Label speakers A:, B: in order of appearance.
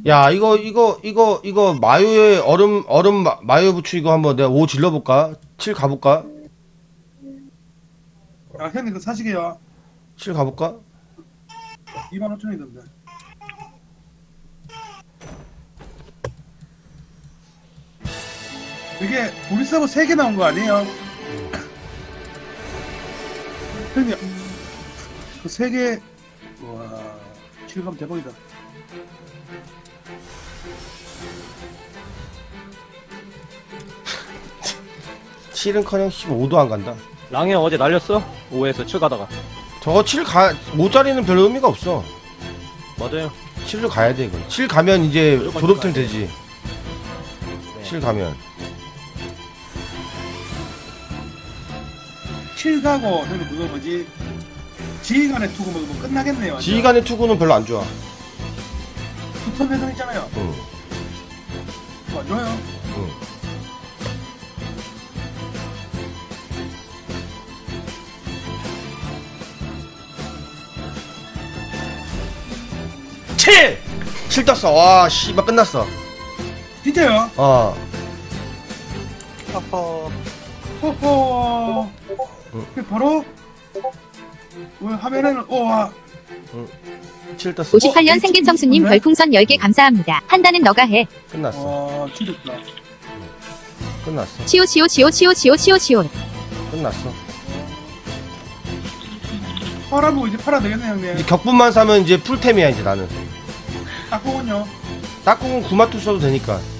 A: 야, 이거 마요의 마요 부추 이거 한번 내가 5 질러볼까? 7 가볼까?
B: 야, 형님 그거 사시게요.
A: 7 가볼까?
B: 25,000원이던데. 이게 우리 서버 3개 나온 거 아니에요? 형님 그 3개 와 실감 대박이다.
A: 칠은커녕 15도 안 간다.
C: 랑이 형 어제 날렸어? 5에서 7 가다가.
A: 저거 5짜리는 별로 의미가 없어.
C: 맞아요.
A: 7을 가야 돼, 이거. 7 가면 이제
C: 무조건
A: 졸업템
C: 가야
A: 되지.
C: 네.
A: 7 가면.
B: 7 가고 형님 그거 뭐지? 지휘관의 투구 먹으면 끝나겠네요. 완전.
A: 지휘관의 투구는 별로 안 좋아.
B: 두턴 배송 있잖아요.
A: 응,
B: 그거 안 좋아요.
A: 응. 칠 떴어. 와, 씨발 끝났어.
B: 진짜요?
A: 어.
C: 허허.
B: 호호.
A: 응.
B: 그 바로 왜 화면에는 오와
A: 7 떴어.
D: 58년 생긴 청수님 별풍선 10개 감사합니다. 판단은 너가 해.
A: 끝났어.
B: 와 지렸다.
A: 끝났어.
D: 치오 치오 치오 치오 치오 치오 치오.
A: 끝났어.
B: 팔아보고 이제 팔아 되겠네
A: 이제
B: 형님.
A: 격분만 사면 이제 풀템이야, 이제 나는.
B: 딱 보군요.
A: 딱꿍은 구마투 써도 되니까.